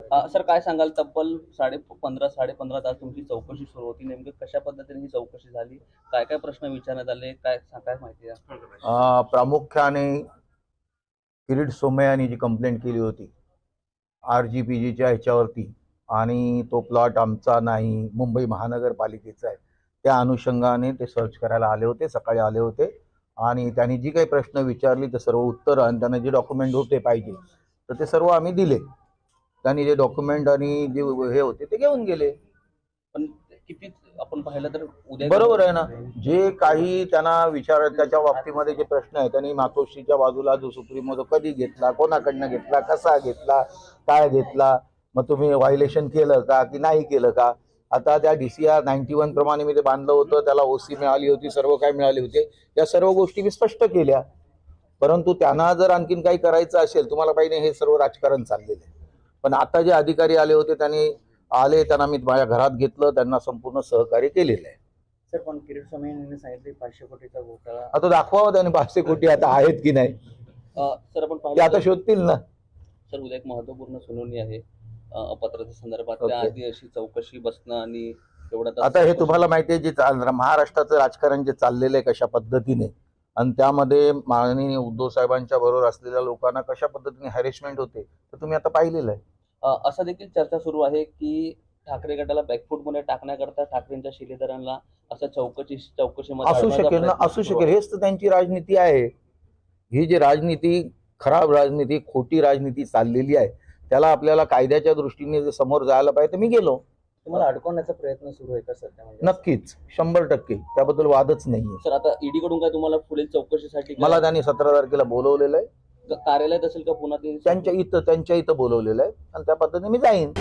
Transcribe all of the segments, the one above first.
Sir काय सांगाल, तब्बल 15.5 तास तुमची चौकशी सुरू होती. नेमकं कशा पद्धतीने ही चौकशी झाली? काय काय प्रश्न विचारण्यात आले? काय माहिती आहे? प्रामुख्याने किरीट सोमय्या यांनी जी कंप्लेंट केली होती RGPGच्या ह्याच्यावरती, आणि तो प्लॉट आमचा नाही, मुंबई महानगरपालिकेचा आहे, त्या अनुषंगाने ते सर्च करायला आले होते, सकाळी आले होते. आणि त्यांनी जी काही प्रश्न विचारली ते सर्व उत्तर आणि त्यांना जे डॉक्युमेंट होते पाहिजे तर ते सर्व आम्ही दिले. त्यांनी जे डॉक्युमेंट आणि जे हे होते ते घेऊन गेले. पण किती आपण पाहिलं तर उद्या बरोबर आहे ना, जे काही त्यांना विचार त्याच्या बाबतीमध्ये जे प्रश्न आहे त्यांनी मातोश्रीच्या बाजूला जो सुप्रीमो तो कधी घेतला, कोणाकडनं घेतला, कसा घेतला, काय घेतला, मग तुम्ही व्हायलेशन केलं का की नाही केलं का. आता त्या DCR 91 प्रमाणे मी ते बांधलं होतं, त्याला OC मिळाली होती, सर्व काय मिळाले होते, या सर्व गोष्टी मी स्पष्ट केल्या. परंतु त्यांना जर आणखीन काही करायचं असेल, तुम्हाला पाहिजे हे सर्व राजकारण चाललेलं आहे. पण आता जे अधिकारी आले होते त्यांना मी माझ्या घरात घेतलं, त्यांना संपूर्ण सहकार्य केलेलं आहे. सर, पण किरीट सोमय्या यांनी सांगितले 500 कोटीचा घोटाळा. आता दाखवावं त्याने 500 कोटी आता आहेत की नाही, सर आपण ते पाहिलं आता शोधतील ना. सर, उद्या एक महत्वपूर्ण सुनावणी आहे अपत्राच्या संदर्भात. ओके. त्याआधी अशी चौकशी बसणं आणि एवढा तास आता हे चौकशी- तुम्हाला माहिती आहे, जे महाराष्ट्राचं राजकारण जे चाललेलं आहे कशा पद्धतीने, आणि त्यामध्ये माननीय उद्धव साहेबांच्या बरोबर असलेल्या लोकांना कशा पद्धतीने हॅरेसमेंट होते तर तुम्ही आता पाहिलेलं आहे. असं देखील चर्चा सुरू आहे की ठाकरे गटाला बॅकफूटमध्ये टाकण्याकरता ठाकरेंच्या शिलेदारांना असं चौकशीमध्ये असू अडवण्याचा शकेल ना, प्रयत्न असू सुरू शकेल. हेच तर त्यांची राजनीती आहे. ही जी राजनीती, खराब राजनीती, खोटी राजनीती चाललेली आहे, त्याला आपल्याला कायद्याच्या दृष्टीने जर समोर जायला पाहिजे तर मी गेलो. तुम्हाला अडकवण्याचा प्रयत्न सुरू आहे का सध्या? म्हणजे नक्कीच 100%, त्याबद्दल वादच नाहीये. सर, आता ईडी कडून काय तुम्हाला पुढील चौकशीसाठी मला त्यांनी 17 तारखेला बोलवलेलं आहे, कार्यालयात असेल का पुन्हा ते? त्यांच्या इथं बोलवलेलं आहे, आणि त्या पद्धतीने मी जाईन.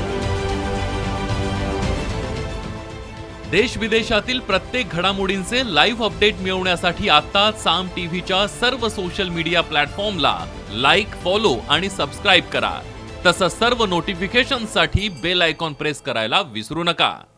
देश विदेशातील प्रत्येक घडामोडींचे लाईव्ह अपडेट मिळवण्यासाठी आता साम टीव्हीच्या सर्व सोशल मीडिया प्लॅटफॉर्मला लाईक, फॉलो आणि सबस्क्राईब करा. तसंच सर्व नोटिफिकेशनसाठी बेल आयकॉन प्रेस करायला विसरू नका.